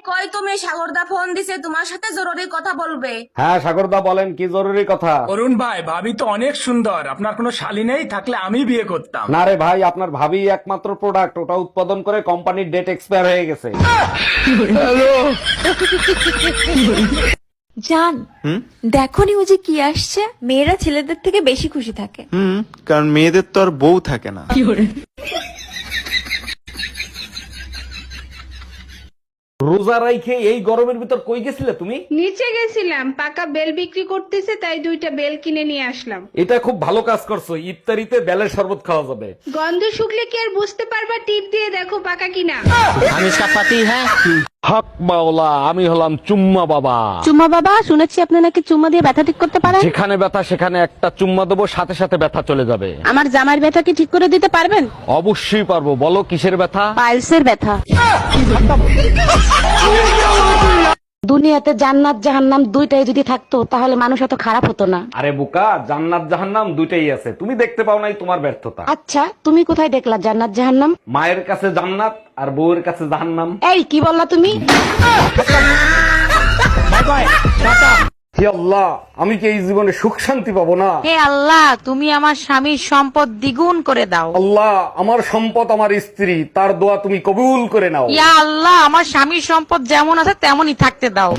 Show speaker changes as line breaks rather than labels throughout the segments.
কই তুমি? সাগরদা ফোন দিছে, তোমার সাথে জরুরি কথা বলবে।
হ্যাঁ সাগরদা বলেন, কি জরুরি কথা?
অরুণ ভাই, ভাবি তো অনেক সুন্দর, আপনার কোনো শালী নেই? থাকলে আমি বিয়ে করতাম।
না রে ভাই, আপনার ভাবি একমাত্র প্রোডাক্ট, ওটা উৎপাদন করে কোম্পানির ডেট এক্সপায়ার হয়ে গেছে।
জান, দেখো নিউজে কি আসছে, মেয়েরা ছেলেদের থেকে বেশি খুশি থাকে।
কারণ মেয়েদের তো আর বউ থাকে না।
রোজা রাইখে এই গরমের ভিতর কই গেছিলে তুমি?
নিচে গেছিলাম, পাকা বেল বিক্রি করতেছে, তাই 2টা বেল কিনে নিয়ে আসলাম।
এটা খুব ভালো কাজ করছো, ইফতারিতে বেলের শরবত খাওয়া যাবে।
গন্ধ শুকলে কি আর বুঝতে পারবা? টিপ দিয়ে দেখো পাকা কিনা।
হক মাওলা, আমি হলাম চুম্মা বাবা।
চুম্মা বাবা, শুনেছি আপনি নাকি চুম্মা দিয়ে ব্যথা ঠিক করতে পারেন।
যেখানে ব্যথা সেখানে একটা চুম্মা দেবো, সাথে সাথে ব্যথা চলে যাবে।
আমার জামার ব্যথা কি ঠিক করে দিতে পারবেন?
অবশ্যই পারবো, বলো কিসের ব্যথা?
পাইলসের ব্যথা। দুনিয়াতে জান্নাত জাহান্নাম দুইটাই যদি থাকতো তাহলে মানুষ এত খারাপ হতো না।
আরে বোকা, জান্নাত জাহান্নাম দুইটাই আছে, তুমি দেখতে পাও নাই, তোমার ব্যর্থতা।
আচ্ছা, তুমি কোথায় দেখলা জান্নাত জাহান্নাম?
মায়ের কাছে জান্নাত আর বউয়ের কাছে জাহান্নাম।
এই কি বললা তুমি?
হে আল্লাহ, আমি কি এই জীবনে সুখ শান্তি পাবো না?
হে আল্লাহ, তুমি আমার স্বামীর সম্পদ দ্বিগুণ করে দাও।
আল্লাহ, আমার সম্পদ আমার স্ত্রী, তার দোয়া তুমি কবুল করে নাও।
ইয়া আল্লাহ, আমার স্বামীর সম্পদ যেমন আছে তেমনই থাকতে দাও।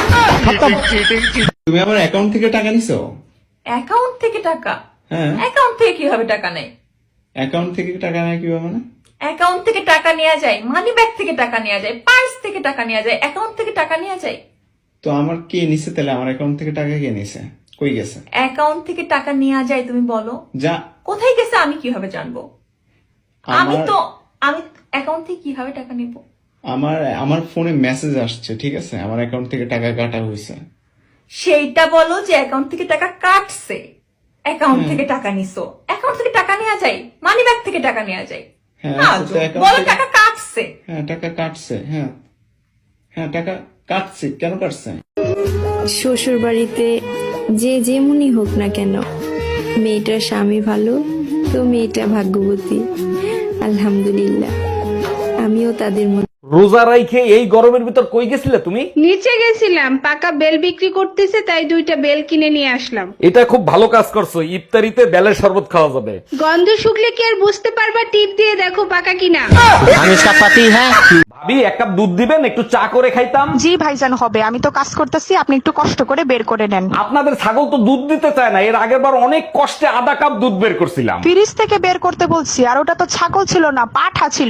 তুমি আমার অ্যাকাউন্ট থেকে টাকা নিছো?
অ্যাকাউন্ট থেকে টাকা?
হ্যাঁ।
অ্যাকাউন্ট থেকে কিভাবে টাকা নেয়?
অ্যাকাউন্ট থেকে টাকা নেয় কিভাবে মানে?
অ্যাকাউন্ট থেকে টাকা নেওয়া যায়, মানি ব্যাগ থেকে টাকা নেওয়া যায়, পার্স থেকে টাকা নেওয়া যায়, অ্যাকাউন্ট থেকে টাকা নেওয়া যায়?
তো আমার কে নিছে তাহলে? আমার অ্যাকাউন্ট থেকে টাকা কে নিছে? কই গেছে?
অ্যাকাউন্ট থেকে টাকা নেওয়া যায় তুমি বলো?
যা।
কোথায় গেছে আমি কিভাবে জানবো? আমি
আমার
অ্যাকাউন্ট থেকে কিভাবে টাকা নিব?
আমার ফোনে মেসেজ আসছে, ঠিক আছে, আমার অ্যাকাউন্ট থেকে টাকা কাটা হয়েছে।
সেইটা বলো যে অ্যাকাউন্ট থেকে টাকা কাটছে। অ্যাকাউন্ট থেকে টাকা নিছো, অ্যাকাউন্ট থেকে টাকা নেওয়া যায়, মানি ব্যাগ থেকে টাকা নেওয়া যায়।
হ্যাঁ,
না,
তো account
বলো
থেকে-
টাকা কাটছে।
হ্যাঁ, টাকা কাটছে। হ্যাঁ হ্যাঁ, টাকা কাটছে। কেন কাটছে?
শ্বশুর বাড়িতে যে যেমনই হোক না কেন, মেয়েটার স্বামী ভালো তো মেয়েটা ভাগ্যবতী। আলহামদুলিল্লাহ, আমিও তাদের মধ্যে।
রোজা রাইখে এই গরমের ভিতর কই গেছিলে তুমি?
নিচে গেছিলাম, পাকা বেল বিক্রি করতেছে, তাই 2টা বেল কিনে নিয়ে আসলাম।
এটা খুব ভালো কাজ করছো, ইফতারিতে বেলের শরবত খাওয়া যাবে।
গন্ধ শুকলে কি আর বুঝতে পারবা? টিপ দিয়ে দেখো পাকা কিনা।
ভাবি, এক কাপ দুধ দিবেন, একটু চা করে খাইতাম।
জি ভাইজান, হবে, আমি তো কাজ করতেছি, আপনি একটু কষ্ট করে বের করে নেন।
আপনাদের ছাগল তো দুধ দিতে চায় না, এর আগের বার অনেক কষ্টে আধা কাপ দুধ বের করছিলাম।
ফ্রিজ থেকে বের করতে বলছি, আর ওটা তো ছাগল ছিল না, পাঠা ছিল।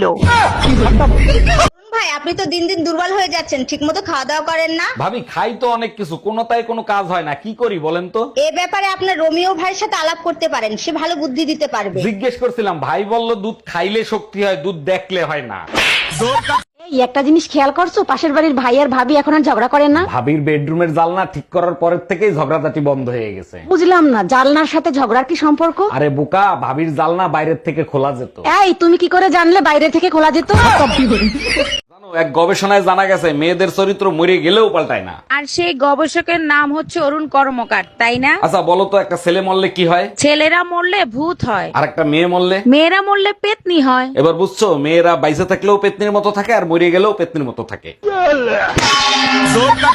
ভাই, আপনি তো দিন দিন দুর্বল হয়ে যাচ্ছেন, ঠিকমতো খাওয়া দাওয়া করেন না।
ভাবি, খাই তো অনেক কিছু, কোনোটাই কোনো কাজ হয় না, কি করি বলেন তো?
এ ব্যাপারে আপনার রোমিও ভাইয়ের সাথে আলাপ করতে পারেন, সে ভালো বুদ্ধি দিতে পারবে।
জিজ্ঞেস করছিলাম, ভাই বলল দুধ খাইলে শক্তি হয়, দুধ দেখলে হয় না।
এই একটা জিনিস খেয়াল করছো, পাশের বাড়ির ভাই আর ভাবি এখন আর ঝগড়া করেন না?
ভাবির বেডরুমের জালনা ঠিক করার পরের থেকেই ঝগড়াঝাটি বন্ধ হয়ে গেছে।
বুঝলাম না, জানলার সাথে ঝগড়ার কি সম্পর্ক?
আরে বোকা, ভাবির জালনা বাইরের থেকে খোলা যেত।
এই তুমি কি করে জানলে বাইরে থেকে খোলা যেত?
জানো, এক গবেষণায় জানা গেছে মেয়েদের চরিত্র মরে গেলেও পাল্টায় না।
আর সেই গবেষকের নাম হচ্ছে অরুণ কর্মকার, তাই না?
আচ্ছা বলো তো, একটা ছেলে মরলে কি হয়?
ছেলেরা মরলে ভূত হয়,
আর একটা মেয়ে মরলে?
মেয়েরা মরলে পেতনি হয়।
এবার বুঝছো, মেয়েরা বাইসে থাকলেও পেতনির মতো থাকে, আর মরে গেলেও পেতনির মতো থাকে।